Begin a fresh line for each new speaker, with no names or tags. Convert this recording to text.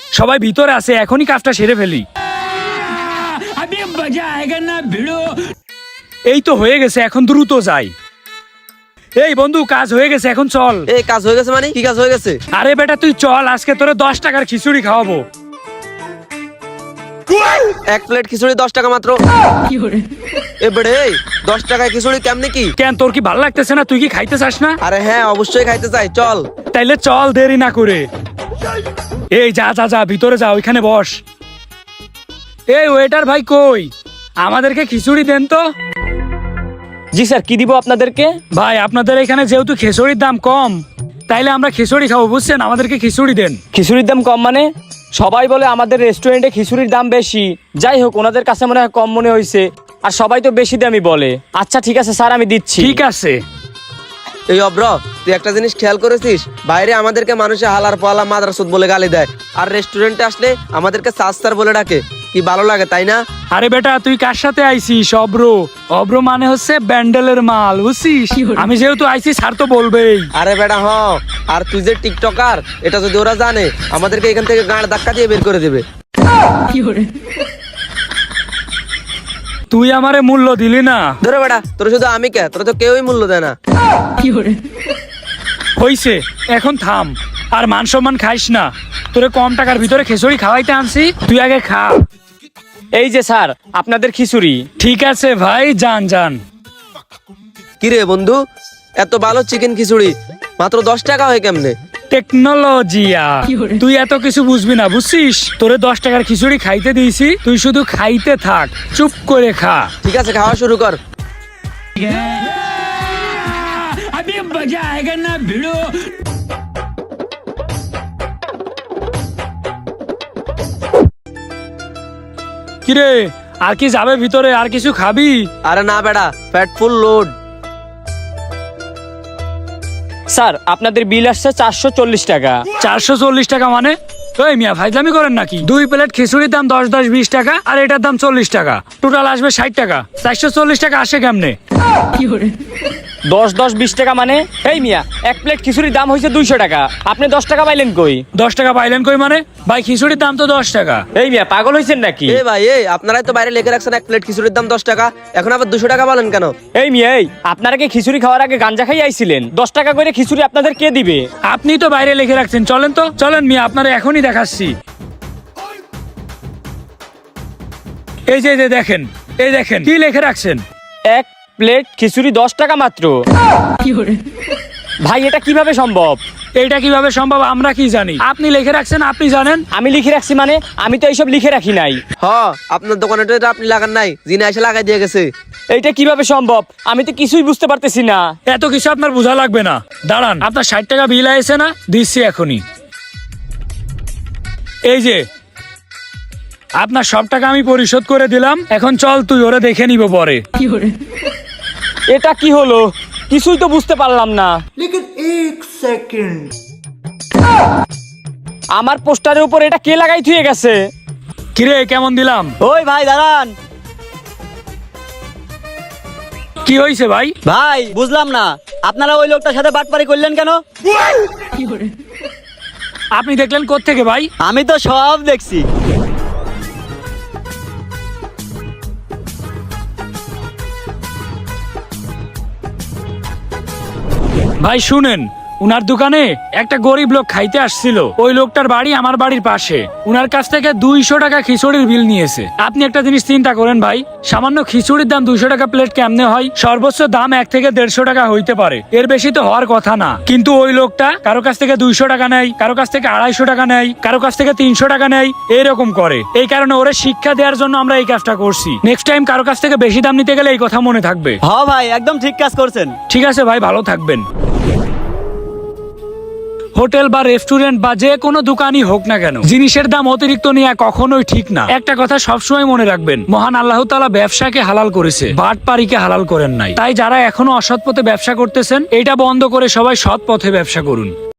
সবাই ভিতরে আছে, এখনই কাজটা সেরে ফেলি। এই তো হয়ে গেছে, এখন দ্রুত যাই। এই বন্ধু, কাজ হয়ে গেছে, এখন চল।
এই কাজ হয়ে গেছে মানে কি কাজ হয়ে গেছে?
আরে বেটা তুই চল, আজকে তোরে 10 টাকার খিচুড়ি খাওয়াবো।
এক প্লেট খিচুড়ি 10 টাকা মাত্র। এ বেড়ে 10 টাকায় খিচুড়ি কেমনে কি?
কেন, তোর কি ভালো লাগতেছে না? তুই কি খাইতে চাস না?
আরে হ্যাঁ, অবশ্যই খাইতে চাই, চল।
তাইলে চল, দেরি না করে। এই যা যা যা, ভিতরে যা, ওইখানে বস। এই ওয়েটার ভাই কই, আমাদেরকে খিচুড়ি দেন তো।
জি স্যার, কি দিব আপনাদেরকে?
ভাই আপনাদের এখানে যেহেতু খিচুড়ির দাম কম, তাইলে আমরা খিচুড়ি খাবো, বুঝছেন? আমাদেরকে খিচুড়ি দেন।
খিচুড়ির দাম কম মানে? সবাই বলে আমাদের রেস্টুরেন্টে খিচুড়ির দাম বেশি। যাই হোক, ওনাদের কাছে মনে হয় কম মনে হয়েছে, আর সবাই তো বেশি দামই বলে। আচ্ছা ঠিক আছে স্যার, আমি দিচ্ছি।
ঠিক আছে।
এই অব্র, তুই একটা জিনিস খেয়াল করেছিস? বাইরে আমাদেরকে মানুষে হালার পালা মাদ্রাসুদ বলে গালি দেয়, আর রেস্টুরেন্টে আসলে আমাদেরকে সাস্তার বলে ডাকে। কি ভালো লাগে, তাই না?
আরে বেটা তুই কার সাথে আইছিস? অব্র, অব্র মানে হচ্ছে ব্যান্ডেলের মাল, বুঝছিস? আমি যেহেতু আইছি, স্যার তো বলবেই।
আরে বেটা হ, আর তুই যে টিকটকার, এটা যদি ওরা জানে, আমাদেরকে এখান থেকে গাঁড় ধাক্কা দিয়ে বের করে দেবে।
তুই আমারে মূল্য দিলি না।
ধরে বেটা, তোর শুধু আমি কে, তোর তো কেউই মূল্য দেয় না।
হইছে, এখন থাম, আর মান সম্মান খাইস না। তোরে কম টাকার ভিতরে খিচুড়ি খাওয়াইতে আনছি, তুই আগে খা।
এই যে স্যার, আপনাদের খিচুড়ি।
ঠিক আছে ভাই, যান যান।
কিরে বন্ধু, এত ভালো চিকেন খিচুড়ি মাত্র 10 টাকা হয় কেমনে?
টেকনোলজিয়া, তুই এত কিছু বুঝবি না, বুঝছিস? তোরে 10 টাকার খিচুড়ি খাইতে দিয়েছি, তুই শুধু খাইতে থাক, চুপ করে খা।
ঠিক আছে, খাওয়া শুরু কর।
কিরে, আর কি যাবে ভিতরে? আর কিছু খাবি?
আরে না বেটা, ফ্যাট ফুল লোড।
স্যার, আপনাদের বিল আসছে 440 টাকা।
440 টাকা মানে? ওই মিয়া, ফাইজলামি করেন নাকি? 2 প্লেট খিচুড়ির দাম 10 10 20 টাকা, আর এটার দাম 40 টাকা, টোটাল আসবে 60 টাকা। 440 টাকা আসে কেমনে?
10 10 20 টাকা মানে? এই মিয়া, এক প্লেট খিচুড়ির দাম হয়েছে 200 টাকা, আপনি 10 টাকা পাইলেন কই?
10 টাকা পাইলেন কই মানে? ভাই খিচুড়ির দাম তো 10 টাকা।
এই মিয়া, পাগল হয়েছেন নাকি?
এ ভাই, আপনারাই তো বাইরে লিখে রাখছেন এক প্লেট খিচুড়ির দাম 10 টাকা, এখন আবার 200 টাকা বলেন কেন?
এই মিয়া, এই আপনারা কি খিচুড়ি খাওয়ার আগে গাঞ্জা খাই আইছিলেন? 10 টাকা করে খিচুড়ি আপনাদের কে দিবে?
আপনি তো বাইরে লিখে রাখছেন, চলেন তো, চলেন মিয়া, আপনারা এখনই দেখাচ্ছি। এই যে দেখেন, এই দেখেন কি লিখে রাখছেন।
এক প্লেট খিচুড়ি 10 টাকা মাত্র। ভাই, এটা কিভাবে সম্ভব?
এইটা কিভাবে সম্ভব আমরা কি জানি? আপনি লিখে রাখছেন, আপনি জানেন।
আমি লিখে রাখছি মানে? আমি তো এইসব লিখে রাখি নাই।
হ, আপনার দোকানে তো এটা আপনি লাগান নাই, যিনি এসে লাগাই দিয়ে গেছে।
এইটা কিভাবে সম্ভব? আমি তো কিছুই বুঝতে পারতেছি না।
এত কিছু আপনার বোঝা লাগবে না, দাঁড়ান, আপনার 60 টাকা বিল আইছে না, দিচ্ছি এখনই। এই যে আপনার সব টাকা আমি পরিশোধ করে দিলাম, এখন চল, তুই ওরা দেখে নিব পরে।
এটা কি হলো? কিছুই তো বুঝতে পারলাম না। আমার পোস্টারের উপর এটা কে লাগাই থুয়ে গেছে?
কিরে, কেমন দিলাম?
ওই ভাই দাঁড়ান।
কি হয়েছে ভাই?
ভাই বুঝলাম না, আপনারা ওই লোকটার সাথে বাটপারি করলেন কেন?
আপনি দেখলেন কোত্থেকে ভাই?
আমি তো সব দেখছি।
ভাই শুনেন, উনার দোকানে একটা গরিব লোক খাইতে আসছিল। ওই লোকটার বাড়ি আমার বাড়ির পাশে। উনার কাছ থেকে 200 টাকা খিচুড়ির বিল নিয়েছে। আপনি একটা জিনিস চিন্তা করেন ভাই, সামান্য খিচুড়ির দাম 200 টাকা প্লেট কেমনে হয়? সর্বোচ্চ দাম 1 থেকে 150 টাকা হইতে পারে, এর বেশি তো হওয়ার কথা না। কিন্তু ওই লোকটা কারো কাছ থেকে 200 টাকা নেয়, কারো কাছ থেকে 250 টাকা নেয়, কারো কাছ থেকে 300 টাকা নেয়, এরকম করে। এই কারণে ওরে শিক্ষা দেওয়ার জন্য আমরা এই কাজটা করছি। নেক্সট টাইম কারো কাছ থেকে বেশি দাম নিতে গেলে এই কথা মনে থাকবে।
হ ভাই, একদম ঠিক কাজ করছেন।
ঠিক আছে ভাই, ভালো থাকবেন। হোটেল বা রেস্টুরেন্ট বা যে কোনো দোকানই হোক না কেন, জিনিসের দাম অতিরিক্ত নেওয়া কখনোই ঠিক না। একটা কথা সবসময় মনে রাখবেন, মহান আল্লাহ তাআলা ব্যবসাকে হালাল করেছে, বাটপারিকে হালাল করেন নাই। তাই যারা এখনো অসৎ পথে ব্যবসা করতেছেন, এটা বন্ধ করে সবাই সৎ পথে ব্যবসা করুন।